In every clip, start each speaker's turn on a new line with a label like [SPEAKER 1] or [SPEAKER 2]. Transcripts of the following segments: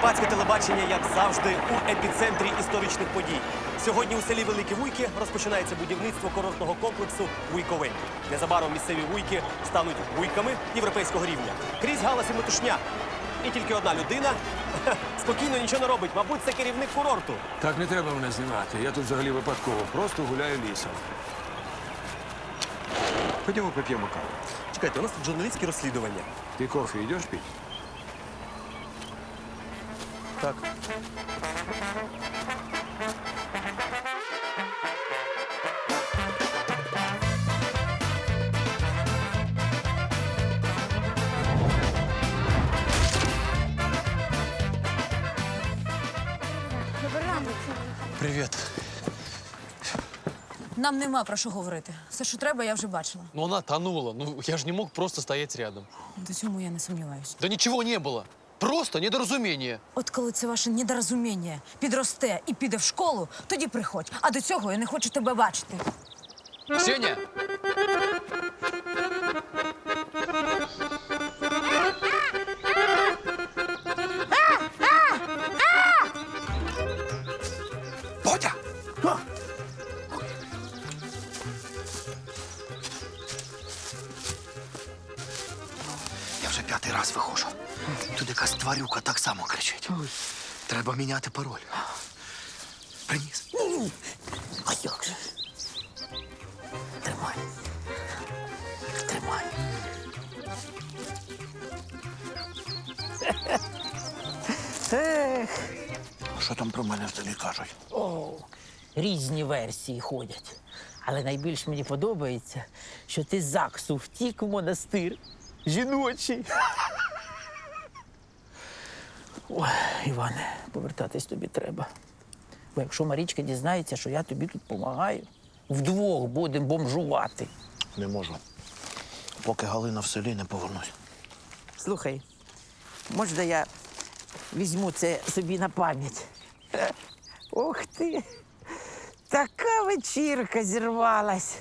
[SPEAKER 1] Карпатське телебачення, як завжди, у епіцентрі історичних подій. Сьогодні у селі Великі Вуйки розпочинається будівництво курортного комплексу «Вуйковель». Незабаром місцеві вуйки стануть вуйками європейського рівня. Крізь галас і метушня. І тільки одна людина спокійно нічого не робить. Мабуть, це керівник курорту.
[SPEAKER 2] Так не треба мене знімати. Я тут взагалі випадково. Просто гуляю лісом. Ходімо поп'ємо каву.
[SPEAKER 1] Чекайте, у нас тут журналістське розслідування.
[SPEAKER 2] Ти кофе йдеш пить?
[SPEAKER 1] Так.
[SPEAKER 3] Привіт.
[SPEAKER 4] Нам нема про що говорити. Все, що треба, я вже бачила.
[SPEAKER 3] Ну она тонула. Ну я же не мог просто стоять рядом.
[SPEAKER 4] До цьому я не сумніваюся.
[SPEAKER 3] Да ничего не было. Просто недоразумение.
[SPEAKER 4] От коли це ваше недорозуміння підросте і піде в школу, тоді приходь. А до цього я не хочу тебе бачити.
[SPEAKER 3] Сеня!
[SPEAKER 2] Бодя!
[SPEAKER 5] Я вже 5-й раз виходжу. Тут якась тварюка так само кричить. Треба міняти пароль. Приніс. А як же? Тримай. Тримай. А що там про мене в селі кажуть?
[SPEAKER 6] О, різні версії ходять. Але найбільш мені подобається, що ти з ЗАГСу втік в монастир жіночий. Ой, Іване, повертатись тобі треба. Бо якщо Марічка дізнається, що я тобі тут допомагаю, вдвох будемо бомжувати.
[SPEAKER 5] Не можу. Поки Галина в селі не повернусь.
[SPEAKER 6] Слухай, можна я візьму це собі на пам'ять? Ох ти! Така вечірка зірвалась.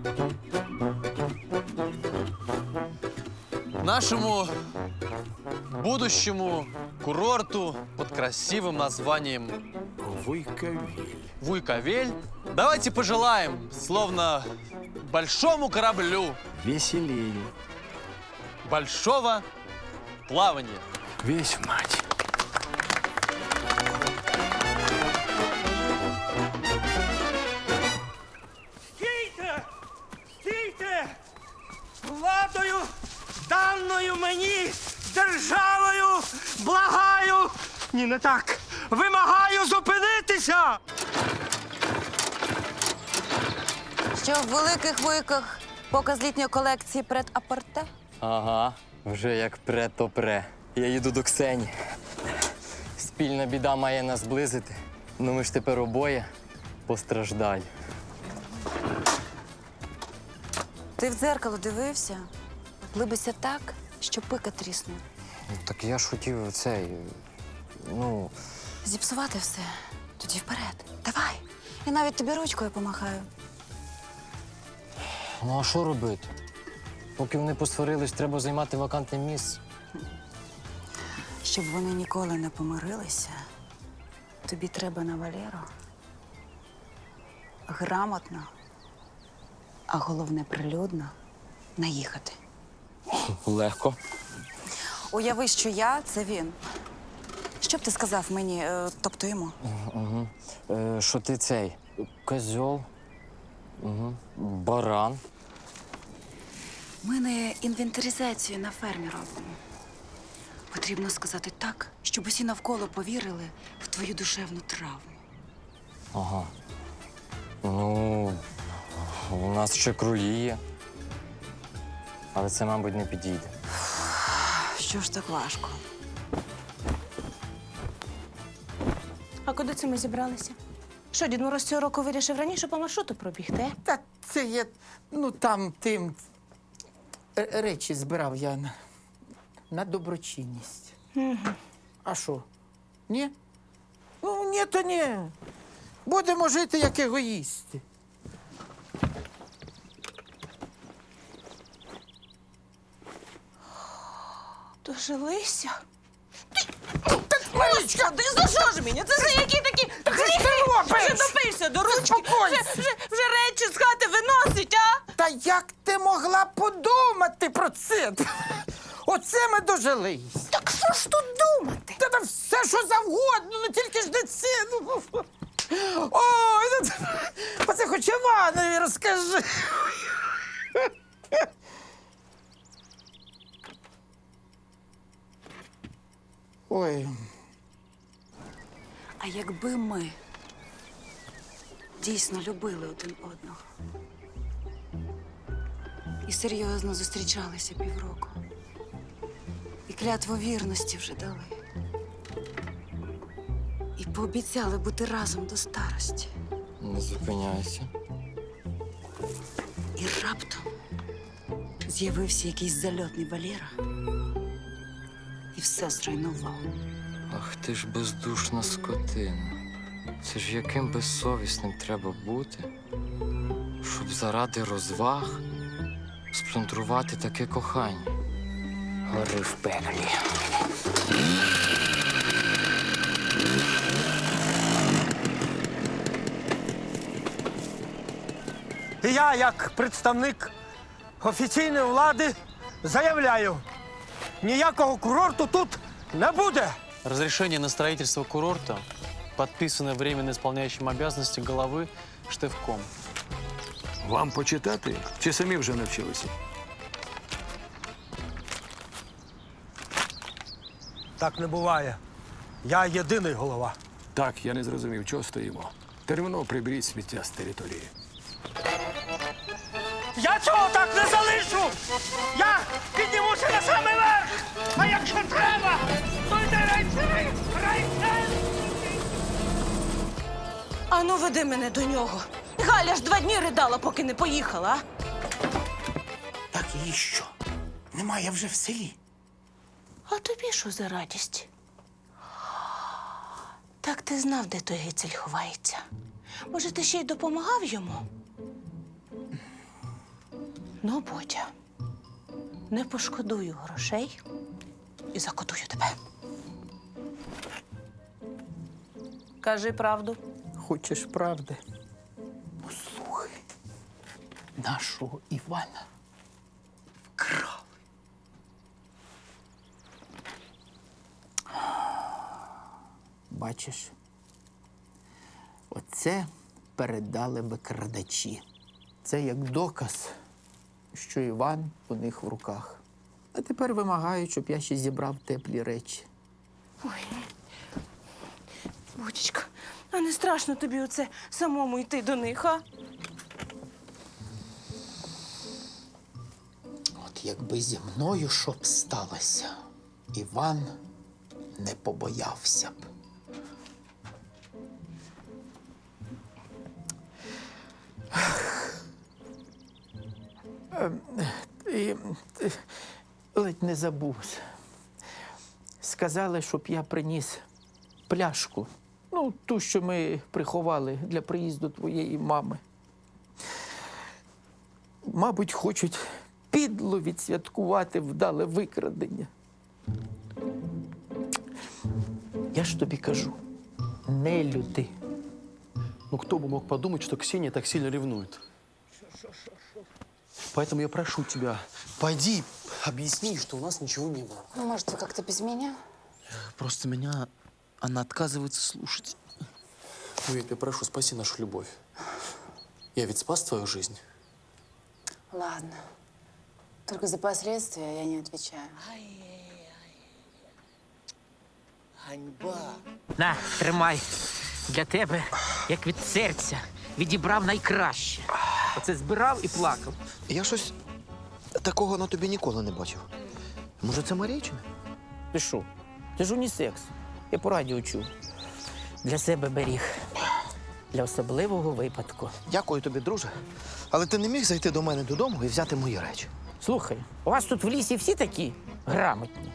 [SPEAKER 3] Нашему будущему курорту под красивым названием
[SPEAKER 2] Вуйковель.
[SPEAKER 3] Вуйковель давайте пожелаем, словно большому кораблю,
[SPEAKER 2] Веселее.
[SPEAKER 3] большого плавания.
[SPEAKER 2] Весь мать.
[SPEAKER 7] Стійте! Стійте! Владою, даною мені державою, благаю! Ні, не так! Вимагаю зупинитися!
[SPEAKER 8] Що в великих вуйках показ літньої колекції прет-а-порте?
[SPEAKER 9] Ага, вже як пре, то пре. Я їду до Ксені. Спільна біда має нас зблизити. Ну ми ж тепер обоє постраждалі.
[SPEAKER 8] Ти в дзеркало дивився? Либися так, що пика тріснув.
[SPEAKER 9] Так я ж хотів цей. Ну,
[SPEAKER 8] Зіпсувати все. Тоді вперед. Давай. Я навіть тобі ручкою помахаю.
[SPEAKER 9] ну а що робити? Поки вони посварились, треба займати вакантне місце.
[SPEAKER 8] Щоб вони ніколи не помирилися, тобі треба на Валеру грамотно, а головне прилюдно наїхати.
[SPEAKER 9] Легко.
[SPEAKER 8] Уяви, що я – це він. Що б ти сказав мені, тобто йому?
[SPEAKER 9] Що ти цей? Козьол? Баран.
[SPEAKER 8] Ми не інвентаризацію на фермі робимо. Потрібно сказати так, щоб усі навколо повірили в твою душевну травму.
[SPEAKER 9] Ага. Ну, у нас ще круї є. Але це, мабуть, не підійде.
[SPEAKER 8] Що ж так важко?
[SPEAKER 10] А куди це ми зібралися? Що, Дід Мороз цього року вирішив раніше по маршруту пробігти?
[SPEAKER 6] Та це я, ну там тим речі збирав я на доброчинність. А що? Ні? Ну, ні, то ні. Будемо жити як егоїсти.
[SPEAKER 10] Дожилися? Господи, за що ж мені? Це за які такі гріхи? Вже допився до ручки, вже речі з хати виносить, а?
[SPEAKER 6] Та як ти могла подумати про це? Оце ми дожились.
[SPEAKER 10] Так що ж тут думати?
[SPEAKER 6] Та там все, що завгодно, ну тільки ж не це. Ну. Ой, ну, оце хоч Іванові розкажи. Ой,
[SPEAKER 8] А якби ми дійсно любили один одного і серйозно зустрічалися півроку, і клятву вірності вже дали, і пообіцяли бути разом до старості,
[SPEAKER 9] Не зупиняйся.
[SPEAKER 8] і раптом з'явився якийсь зальотний Валєра і все зруйнував.
[SPEAKER 9] Ах ти ж бездушна скотина. Це ж яким безсовісним треба бути, щоб заради розваг сплюндрувати таке кохання. Гори в пеклі.
[SPEAKER 7] І я, як представник офіційної влади, заявляю, ніякого курорту тут не буде.
[SPEAKER 3] Разрешение на строительство курорта подписано временно исполняющим обязанности главы Штевком.
[SPEAKER 2] Вам почитати чи самі вже навчилися?
[SPEAKER 7] Так не буває. Я єдиний голова.
[SPEAKER 2] Так, я не зрозумів, чого стоїмо. Терміново приберіть сміття з території.
[SPEAKER 7] Я цього так не залишу! Я піднімуся на самий верх! А якщо треба, то йде райцей!
[SPEAKER 10] Ану, веди мене до нього. Галя ж 2 дні ридала, поки не поїхала, а?
[SPEAKER 6] так її що? Немає вже в селі.
[SPEAKER 10] А тобі що за радість? Так ти знав, де той гицель ховається. Може, ти ще й допомагав йому? Ну, Бодя, не пошкодую грошей і закодую тебе. Кажи правду.
[SPEAKER 6] Хочеш правди? Послухай, нашого Івана вкрали. Бачиш, оце передали викрадачі. Це як доказ, що Іван у них в руках. А тепер вимагають, щоб я ще зібрав теплі речі.
[SPEAKER 10] Бодічка, а не страшно тобі оце самому йти до них, а?
[SPEAKER 6] От якби зі мною що б сталося, Іван не побоявся б. І ледь не забувся. Сказали, щоб я приніс пляшку. Ну, ту, що ми приховали для приїзду твоєї мами. Мабуть, хочуть підло відсвяткувати вдале викрадення. Я ж тобі кажу, не люди.
[SPEAKER 3] Ну, кто бы мог подумать, что Ксения так сильно ревнует? Поэтому я прошу тебя, пойди, объясни, что у нас ничего не было.
[SPEAKER 8] Ну, может, вы как-то без меня?
[SPEAKER 3] Просто меня она отказывается слушать. Ну, я тебя прошу, спаси нашу любовь. Я ведь спас твою жизнь.
[SPEAKER 8] Ладно. Только за последствия я не отвечаю.
[SPEAKER 6] На, тримай. Для тебе, як від серця, відібрав найкраще. Оце збирав і плакав.
[SPEAKER 5] Я щось такого на тобі ніколи не бачив. Може, це Марійчина?
[SPEAKER 6] Ти що? Ти ж унісекс. Я по радіо чув. Для себе беріг. Для особливого випадку.
[SPEAKER 5] Дякую тобі, друже. Але ти не міг зайти до мене додому і взяти мої речі.
[SPEAKER 6] Слухай, у вас тут в лісі всі такі грамотні.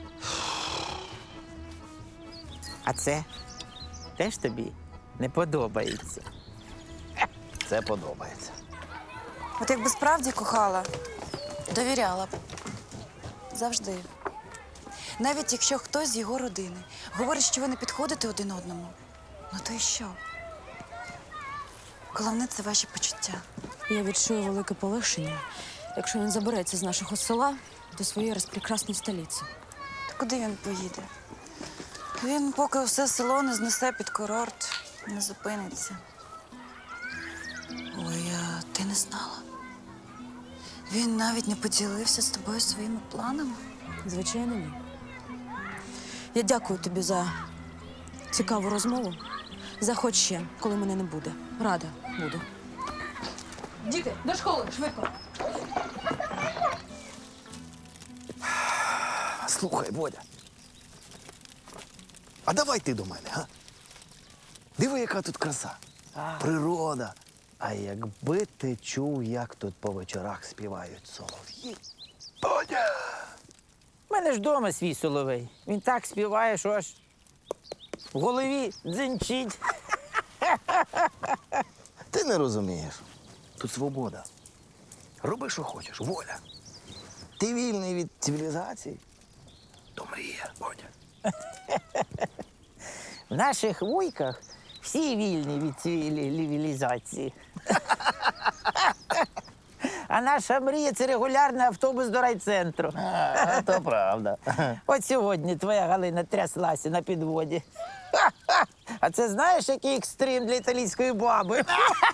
[SPEAKER 6] А це теж тобі не подобається.
[SPEAKER 5] Це подобається.
[SPEAKER 8] От якби справді кохала, довіряла б. Завжди. Навіть якщо хтось з його родини говорить, що ви не підходите один одному, ну то й що? Головне – це ваші почуття.
[SPEAKER 4] Я відчую велике полегшення, якщо він забереться з нашого села до своєї розпрекрасної столиці.
[SPEAKER 8] Та куди він поїде? Він, поки все село не знесе під курорт, не зупиниться. Ой, а ти не знала? Він навіть не поділився з тобою своїми планами?
[SPEAKER 4] Звичайно, ні. Я дякую тобі за цікаву розмову. Заходь ще, коли мене не буде. Рада буду. Діти, до школи, швидко.
[SPEAKER 5] Слухай, Бодя. А давай ти до мене, га? Диви, яка тут краса. Природа. А якби ти чув, як тут по вечорах співають солов'ї. Бодя!
[SPEAKER 6] У мене ж вдома свій соловей. Він так співає, що аж в голові дзенчить.
[SPEAKER 5] Ти не розумієш. Тут свобода. Роби, що хочеш, воля. Ти вільний від цивілізації. То мрія, Бодя.
[SPEAKER 6] В наших вуйках всі вільні від цивілізації. А наша мрія – це регулярний автобус до райцентру.
[SPEAKER 5] То правда.
[SPEAKER 6] От сьогодні твоя Галина тряслася на підводі. А це знаєш, який екстрим для італійської баби?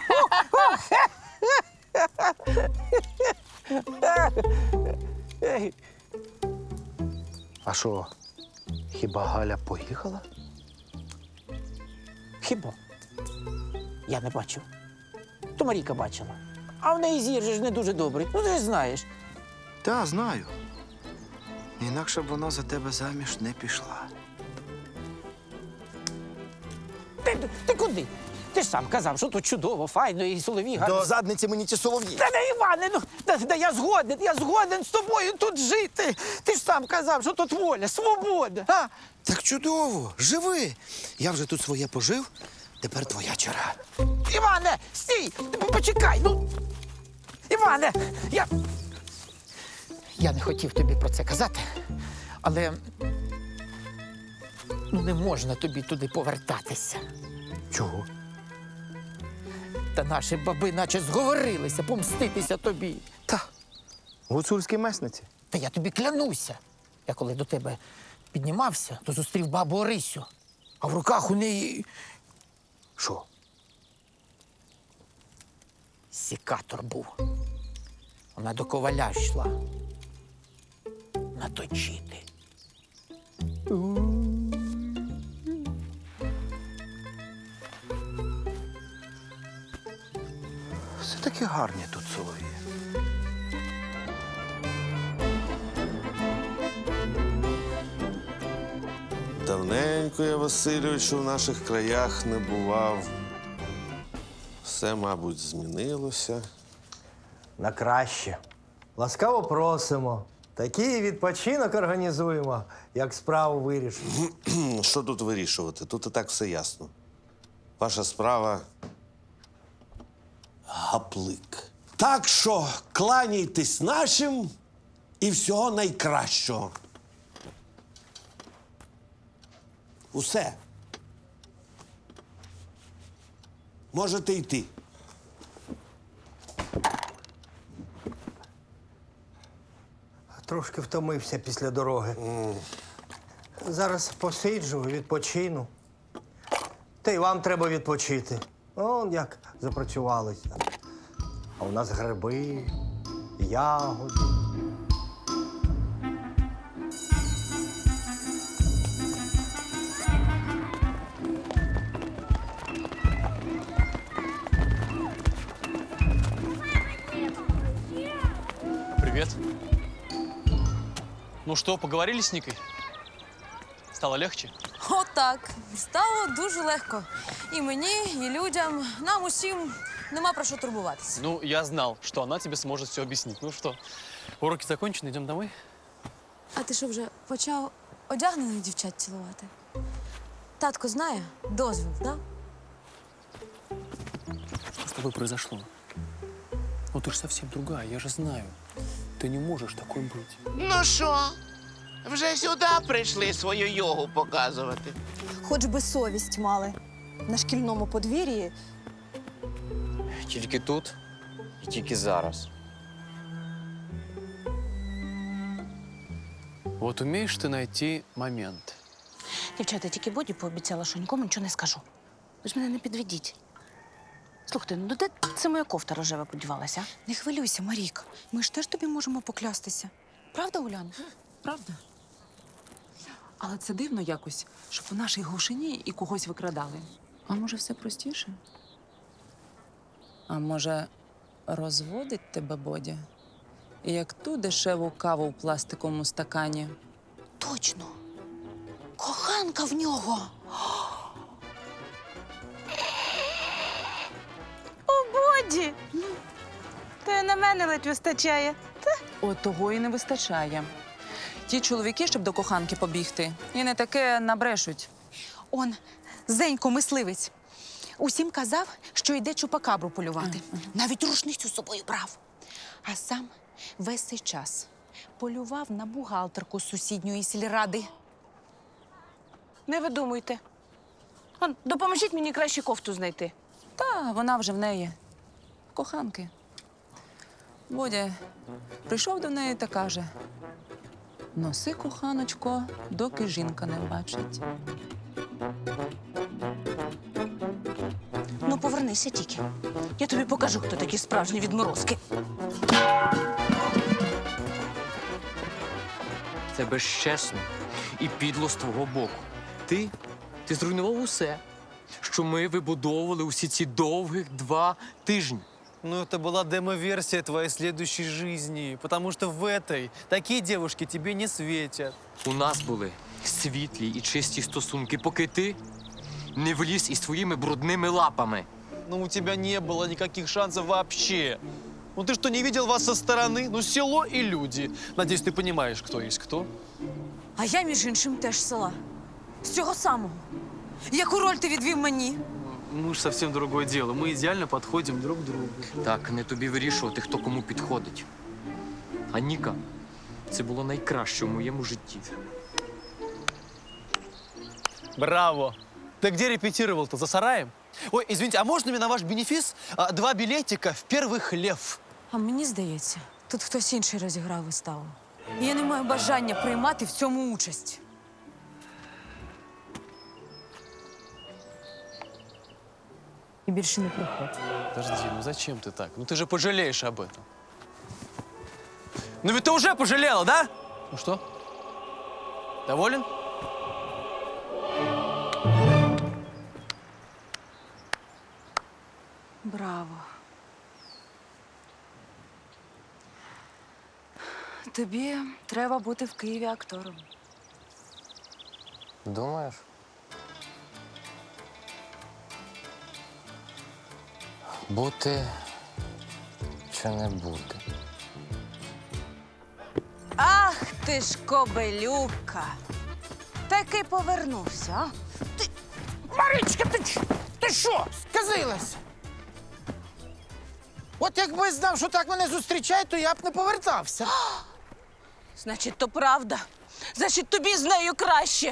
[SPEAKER 5] А що, хіба Галя поїхала?
[SPEAKER 6] Хіба? Я не бачив. То Марійка бачила. А в неї зір же ж не дуже добрий. Ну, ти ж знаєш.
[SPEAKER 5] Та, знаю. Інакше б вона за тебе заміж не пішла.
[SPEAKER 6] Ти куди? Ти ж сам казав, що тут чудово, файно і соловій гарні.
[SPEAKER 5] До задниці мені ті солов'ї.
[SPEAKER 6] Та не Іване, ну та я згоден з тобою тут жити. Ти ж сам казав, що тут воля, свобода. А?
[SPEAKER 5] Так чудово, живи. Я вже тут своє пожив, тепер твоя черга.
[SPEAKER 6] Іване, стій! Почекай, ну. Іване, я не хотів тобі про це казати, але ну не можна тобі туди повертатися.
[SPEAKER 5] Чого?
[SPEAKER 6] Та наші баби наче зговорилися помститися тобі.
[SPEAKER 5] Та, гуцульській месниці.
[SPEAKER 6] Та я тобі клянуся. Я коли до тебе піднімався, то зустрів бабу Орисю, а в руках у неї
[SPEAKER 5] Що?
[SPEAKER 6] сікатор був. Вона до коваля йшла. Наточити.
[SPEAKER 5] Все таки гарні тут солов'ї.
[SPEAKER 11] Давненько я, Васильовичу, в наших краях не бував. Все, мабуть, змінилося.
[SPEAKER 12] На краще. Ласкаво просимо. Такий відпочинок організуємо, як справу вирішимо.
[SPEAKER 11] Що тут вирішувати? Тут і так все ясно. Ваша справа гаплик. Так що кланяйтесь нашим і всього найкращого. Усе. Можете йти.
[SPEAKER 12] Трошки втомився після дороги. Зараз посиджу, відпочину. Та й вам треба відпочити. Он як запрацювалися. А у нас гриби, ягоди.
[SPEAKER 13] Привет. Ну что, поговорили с Никой? Стало легче?
[SPEAKER 4] Отак. Стало дуже легко. І мені, і людям, нам усім нема про що турбуватися.
[SPEAKER 13] Ну, я знал, что она тебе сможет все объяснить. Ну что, уроки закончены, идем домой?
[SPEAKER 4] А ти що, вже почав одягнених дівчат цілувати? Татко знає? Дозвіл, так?
[SPEAKER 2] Что с тобой произошло? Ну ты же совсем другая, я же знаю. Ты не можешь такой быть.
[SPEAKER 5] Ну що?
[SPEAKER 7] Вже сюди прийшли свою йогу показувати.
[SPEAKER 4] Хоч би совість мали. На шкільному подвір'ї
[SPEAKER 9] Тільки тут і тільки зараз.
[SPEAKER 13] Вот умеешь ты найти момент.
[SPEAKER 10] Дівчата, тільки Боді пообіцяла, що нікому нічого не скажу. Ви ж мене не підведіть. Слухайте, ну де це моя кофта рожева подівалася?
[SPEAKER 4] не хвилюйся, Марік. Ми ж теж тобі можемо поклястися. Правда, Уляна?
[SPEAKER 14] Правда? Але це дивно якось, щоб у нашій глушині і когось викрадали. А може, все простіше? А може, розводить тебе Бодя? І як ту дешеву каву в пластиковому стакані.
[SPEAKER 4] Точно. Коханка в нього.
[SPEAKER 10] О, Боді! То й на мене ледь вистачає.
[SPEAKER 14] От того і не вистачає. Ті чоловіки, щоб до коханки побігти, і не таке набрешуть.
[SPEAKER 4] Он, Зенько, мисливець. Усім казав, що йде чупакабру полювати. Навіть рушницю з собою брав. А сам весь цей час полював на бухгалтерку з сусідньої сільради.
[SPEAKER 10] Не видумуйте. Он, допоможіть мені краще кофту знайти.
[SPEAKER 14] Та вона вже в неї. Коханки. Бодя прийшов до неї та каже: носи, коханочко, доки жінка не бачить.
[SPEAKER 10] Ну, повернися тільки. Я тобі покажу, хто такі справжні відморозки.
[SPEAKER 9] Це безчесно і підло з твого боку. Ти зруйнував усе, що ми вибудовували усі ці довгих 2 тижні.
[SPEAKER 13] Ну, это была демо-версия твоей следующей жизни, потому что в этой такие девушки тебе не светят.
[SPEAKER 9] У нас були світлі і чисті стосунки, поки ти не вліз із твоїми брудними лапами.
[SPEAKER 13] Но у тебя не было никаких шансов вообще. Ну ты что, не видел вас со стороны? Ну, село и люди. Надеюсь, ты понимаешь, кто есть кто.
[SPEAKER 4] А я, між іншим, теж з села. З цього самого. Яку роль ти відвів мені?
[SPEAKER 13] Ну ж совсем другое дело. Мы идеально подходим друг к другу.
[SPEAKER 9] Так, не тобі вирішувати, хто кому підходить. А Ніка, це було найкраще в моєму житті.
[SPEAKER 13] Браво! Ты где репетировал-то? За сараем? Ой, извините, а можно мне на ваш бенефис 2 билетика в первый хлев?
[SPEAKER 4] А мені здається, тут хтось інший розіграв виставу. І я не маю бажання приймати в цьому участь. І більше не приходь.
[SPEAKER 13] Подожди, ну зачем ты так? Ну ты же пожалеешь об этом. Ну ведь ты уже пожалела, да? Ну что? Доволен?
[SPEAKER 14] Браво. Тобі треба бути в Києві актором.
[SPEAKER 9] Думаєш? Бути чи не бути?
[SPEAKER 10] Ах ти ж кобелюка! Таки повернувся, а?
[SPEAKER 6] Маричка, ти що, сказилася? От якби знав, що так мене зустрічають, то я б не повертався.
[SPEAKER 10] Значить, то правда. Значить, тобі з нею краще.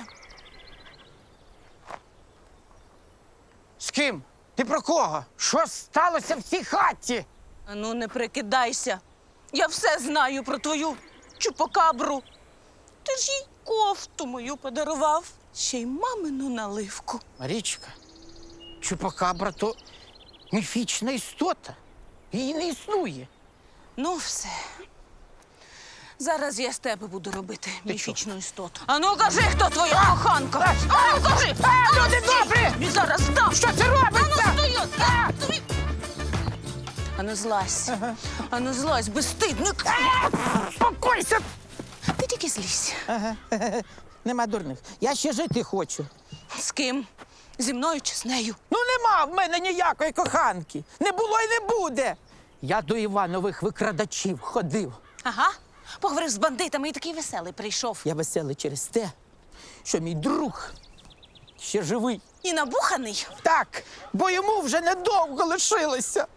[SPEAKER 6] З ким? Ти про кого? Що сталося в цій хаті?
[SPEAKER 10] А ну, не прикидайся. Я все знаю про твою чупакабру. Ти ж їй кофту мою подарував. Ще й мамину наливку.
[SPEAKER 6] Марічка, чупакабра то міфічна істота. Її не існує.
[SPEAKER 10] Ну, все. Зараз я з тебе буду робити міфічну істоту. А ну кажи, хто твоя коханка! А ну кажи!
[SPEAKER 6] Люди добрі!
[SPEAKER 10] Він зараз дам!
[SPEAKER 6] Що це робиться?
[SPEAKER 10] А ну стою! Тобі! А ну злазь! А ну злазь, безстидник!
[SPEAKER 6] Спокойся!
[SPEAKER 10] Ти тільки злізь.
[SPEAKER 6] Нема дурних. Я ще жити хочу.
[SPEAKER 10] З ким? Зі мною чи з нею?
[SPEAKER 6] Ну нема в мене ніякої коханки. Не було і не буде. Я до Іванових викрадачів ходив.
[SPEAKER 10] Ага. Поговорив з бандитами і такий веселий прийшов.
[SPEAKER 6] Я веселий через те, що мій друг ще живий.
[SPEAKER 10] І набуханий?
[SPEAKER 6] Так, бо йому вже недовго лишилося.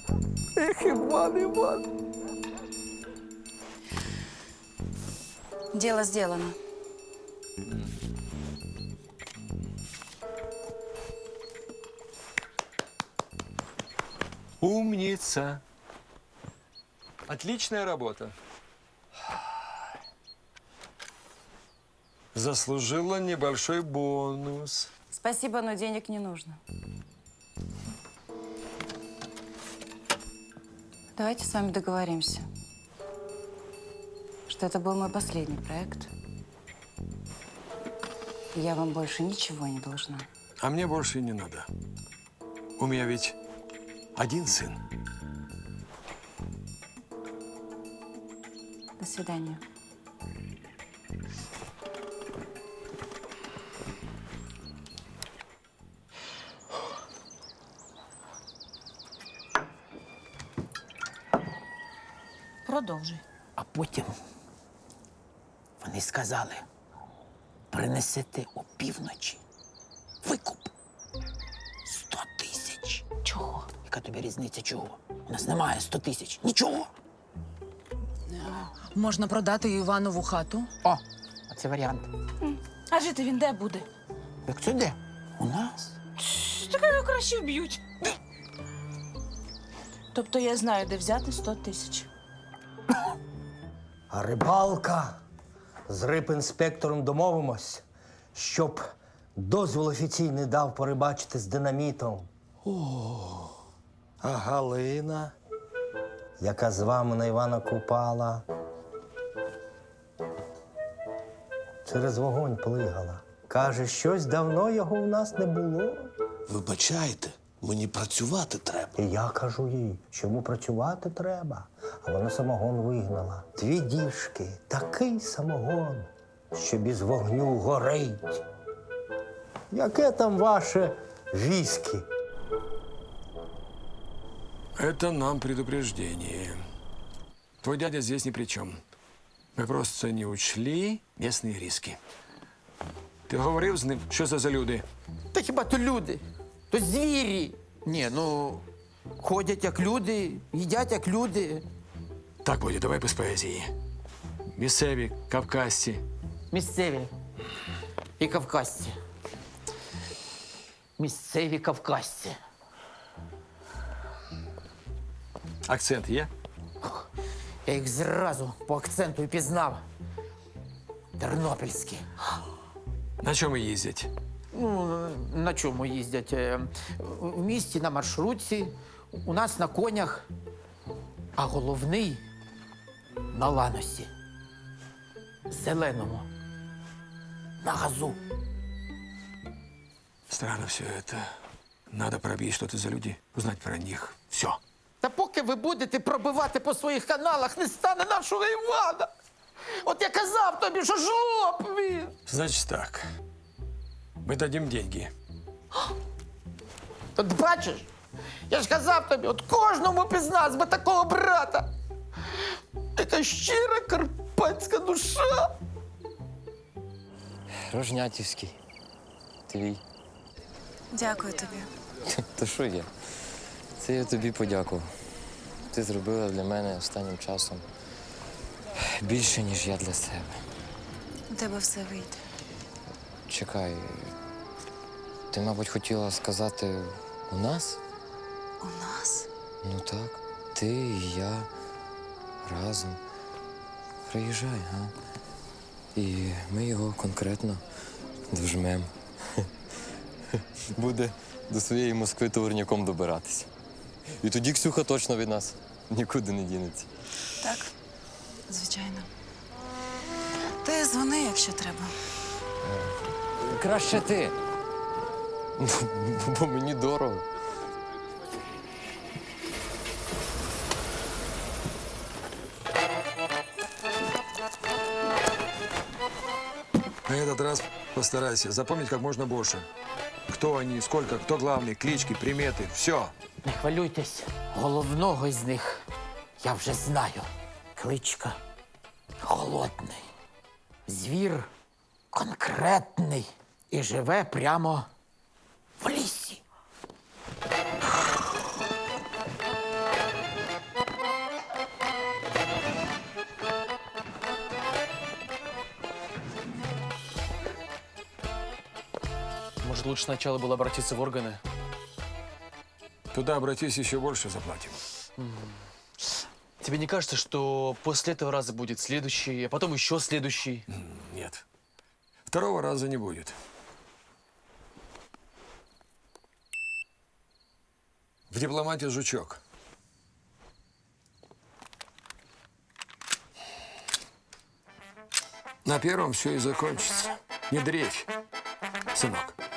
[SPEAKER 6] Ех, Іван.
[SPEAKER 8] Дело сделано.
[SPEAKER 2] Умница. Отличная работа. Заслужила небольшой бонус.
[SPEAKER 8] Спасибо, но денег не нужно. Давайте с вами договоримся, что это был мой последний проект. И я вам больше ничего не должна.
[SPEAKER 2] А мне больше и не надо. У меня ведь один сын.
[SPEAKER 8] До свидания.
[SPEAKER 10] Продовжуй.
[SPEAKER 6] А потім вони сказали, принесете опівночі викуп 100 тисяч.
[SPEAKER 10] Чого?
[SPEAKER 6] Яка тобі різниця чого? У нас немає 100 тисяч. Нічого.
[SPEAKER 14] Можна продати Іванову хату.
[SPEAKER 6] О, оце варіант.
[SPEAKER 10] А жити він де буде?
[SPEAKER 6] Як це де? У нас.
[SPEAKER 10] Так його краще вб'ють. Тобто я знаю, де взяти 100 тисяч.
[SPEAKER 12] А рибалка з рибінспектором домовимось, щоб дозвіл офіційний дав порибачити з динамітом. А Галина, яка з вами на Івана Купала, через вогонь плигала. Каже, щось давно його в нас не було.
[SPEAKER 11] Вибачайте, мені працювати треба.
[SPEAKER 12] І я кажу їй, що йому працювати треба. А вона самогон вигнала. 2 діжки, такий самогон, що без вогню горить. Яке там ваше віскі?
[SPEAKER 2] Это нам предупреждение. Твой дядя здесь ни при чем. Мы просто не учли местные риски. Ти говорив з ним, що це за люди?
[SPEAKER 6] Та хіба то люди? То звірі. Ні, ну, ходять як люди, їдять як люди.
[SPEAKER 2] Так, Бодя, давай без поезії. Місцеві, кавказці.
[SPEAKER 6] Місцеві і кавказці. Місцеві кавказці.
[SPEAKER 2] Акцент є?
[SPEAKER 6] Я їх зразу по акценту і пізнав. Тернопільські.
[SPEAKER 2] На чому їздять?
[SPEAKER 6] Ну, на чому їздять? В місті на маршрутці, у нас на конях, а головний на ланосі. Зеленому. На газу.
[SPEAKER 2] Странно все это. Надо пробить, что это за люди, узнать про них. Все.
[SPEAKER 6] Та поки ви будете пробивати по своїх каналах, не стане нашого Івана. От я казав тобі, що жлоб він.
[SPEAKER 2] Значит так. Мы дадим деньги.
[SPEAKER 6] От бачиш, я ж казав тобі, от кожному з нас би такого брата. Така щира карпатська душа.
[SPEAKER 9] Рожнятівський. Твій.
[SPEAKER 8] Дякую тобі.
[SPEAKER 9] То що я? Це я тобі подякував. Ти зробила для мене останнім часом більше, ніж я для себе.
[SPEAKER 8] У тебе все вийде.
[SPEAKER 9] Чекай, ти, мабуть, хотіла сказати у нас?
[SPEAKER 8] У нас?
[SPEAKER 9] Ну так, ти і я разом. Приїжджай, га? І ми його конкретно дожмем. Буде до своєї Москви товарняком добиратися. І тоді Ксюха точно від нас нікуди не дінеться.
[SPEAKER 8] Так, звичайно. Ти дзвони, якщо треба.
[SPEAKER 9] Краще ти. Бо мені дорого.
[SPEAKER 2] На этот раз постарайся запомнить как можно больше. Кто они, сколько, кто главный, клички, приметы, все.
[SPEAKER 6] Не хвилюйтесь, головного із них я вже знаю. Кличка Голодний. Звір конкретний і живе прямо в лісі.
[SPEAKER 13] Может, лучше сначала было обратиться в органы?
[SPEAKER 2] Туда обратись, еще больше заплатим.
[SPEAKER 13] Тебе не кажется, что после этого раза будет следующий, а потом еще следующий?
[SPEAKER 2] Нет. Второго раза не будет. В дипломате жучок. На первом все и закончится. Не дрейфь, сынок.